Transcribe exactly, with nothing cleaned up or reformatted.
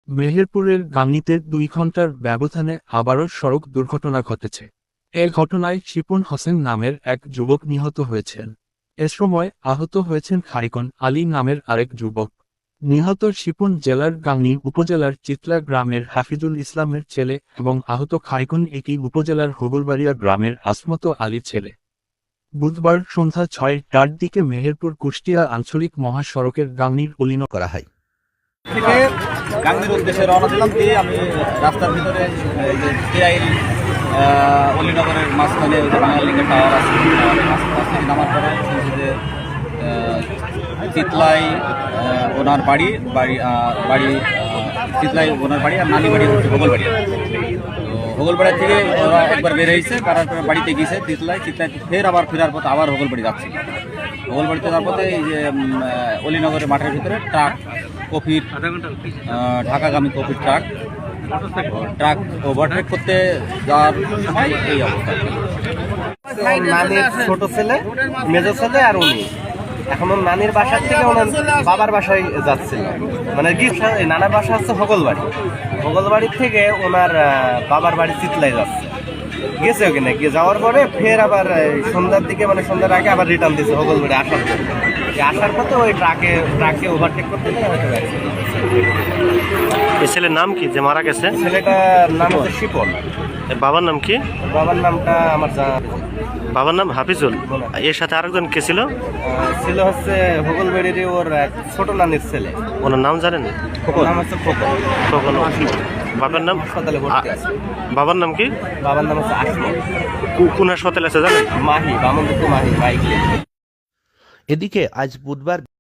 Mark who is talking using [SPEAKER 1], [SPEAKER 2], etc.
[SPEAKER 1] মেহেরপুরের গাংনীতে দুই ঘন্টার ব্যবধানে আবারও সড়ক দুর্ঘটনা ঘটেছে। এ ঘটনায় শিপন হোসেন নামের এক যুবক নিহত হয়েছেন। এ সময় আহত হয়েছেন খারিকন আলী নামের আরেক যুবক। নিহত শিপন জেলার গাংনী উপজেলার চিতলা গ্রামের হাফিজুল ইসলামের ছেলে এবং আহত খারিকন একই উপজেলার হোগলবাড়িয়া গ্রামের আসমত আলীর ছেলে। বুধবার সন্ধ্যা ছয়টার দিকে মেহেরপুর কুষ্টিয়া আঞ্চলিক মহাসড়কের গাংনীর অলিন
[SPEAKER 2] করা হয়।
[SPEAKER 3] থেকে গাংনীর উদ্দেশ্যে রওনা দিলাম দিয়ে আমি রাস্তার ভিতরে এই যে টিআইল অলিনগরের মাঝখানে ওই যে বাঙালিকে টাওয়ার আছে রাস্তা থেকে নামার পরে শুনছি যে চিতলাই ওনার বাড়ি বাড়ি বাড়ি চিতলাই ওনার বাড়ি আর নানি বাড়ি হচ্ছে হোগলবাড়ি। তো হোগলবাড়ি থেকে ওরা একবার বের হয়েছে, কারণ বাড়িতে গিয়েছে চিতলাই চিতলাই ফের আবার ফেরার পথে আবার হোগলবাড়ি যাচ্ছে। হোগলবাড়িতে যাওয়ার পথে এই যে অলিনগরের মাঠের ভিতরে ট্রাক কফির ঢাকাগামী কফির ট্রাক ট্রাক ওভারটেক করতে যাওয়ার সময় এই অবস্থা।
[SPEAKER 4] নানির ছোট ছেলে, মেজো ছেলে আর উনি এখন ওর নানির বাসার থেকে ওনার বাবার বাসায় যাচ্ছিল, মানে নানার বাসা হচ্ছে হোগলবাড়ি। হোগলবাড়ির থেকে ওনার বাবার বাড়ি চিতলাই যাচ্ছে, গেছে ওখানে গিয়ে যাওয়ার পরে ফের আবার সন্ধ্যার দিকে মানে সন্ধ্যার আগে আবার রিটার্ন দিচ্ছে হোগলবাড়ি আসার পরে। আসার পথে ওই ট্রাকে ট্রাকে ওভারটেক করতে গিয়ে হয়তো
[SPEAKER 2] এই ছেলের নাম কি যে মারা গেছে?
[SPEAKER 4] ছেলেটার নাম হচ্ছে শিপন।
[SPEAKER 2] এর বাবার নাম কি?
[SPEAKER 4] বাবার নামটা আমার জানা।
[SPEAKER 2] বাবার নাম হাফিজুল। এর সাথে আরেকজন কে ছিল?
[SPEAKER 4] ছিল হচ্ছে হোগলবাড়ির ওর ছোট নানির ছেলে।
[SPEAKER 2] ওনার নাম জানেন?
[SPEAKER 4] নাম হচ্ছে খোকন।
[SPEAKER 2] খোকন। বাবার নাম?
[SPEAKER 4] হাসপাতালে ভর্তি আছে।
[SPEAKER 2] বাবার নাম কি?
[SPEAKER 4] বাবার নাম হচ্ছে আসমত।
[SPEAKER 2] কোন হাসপাতালে আছে জানেন?
[SPEAKER 4] মাহি, বামনদুপুর মাহি বাইক।
[SPEAKER 2] এদিকে আজ বুধবার